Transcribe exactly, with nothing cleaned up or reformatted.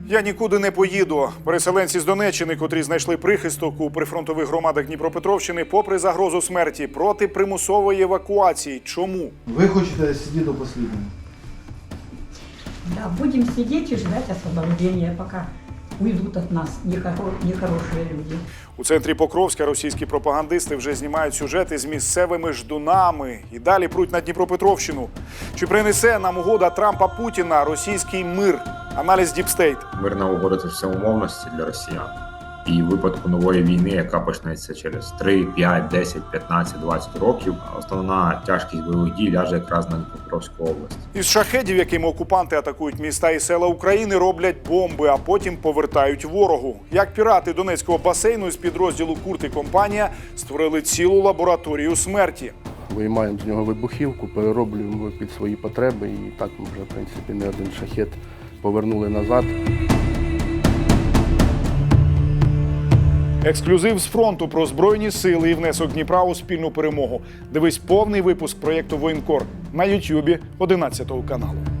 Я нікуди не поїду. Переселенці з Донеччини, котрі знайшли прихисток у прифронтових громадах Дніпропетровщини, попри загрозу смерті, проти примусової евакуації. Чому? Ви хочете сидіти до останнього? Да, будем сидеть и ждать освобождения, пока уйдут от нас нехоро- нехорошие люди. У центрі Покровська російські пропагандисти вже знімають сюжети з місцевими ждунами і далі пруть на Дніпропетровщину. Чи принесе нам угода Трампа-Путіна російський мир? Аналіз Діпстейт. Мирна угода – це все умовності для росіян. І в випадку нової війни, яка почнеться через три, п'ять, десять, п'ятнадцять, двадцять років, основна тяжкість бойових дій ляже якраз на Дніпропетровську область. Із шахедів, якими окупанти атакують міста і села України, роблять бомби, а потім повертають ворогу. Як пірати Донецького басейну з підрозділу «Курт» і компанія створили цілу лабораторію смерті. Виймаємо з нього вибухівку, перероблюємо під свої потреби і так ми вже, в принципі, не один шахет повернули назад. Ексклюзив з фронту про Збройні сили і внесок Дніпра у спільну перемогу. Дивись повний випуск проєкту «Воєнкор» на Ютубі одинадцятого каналу.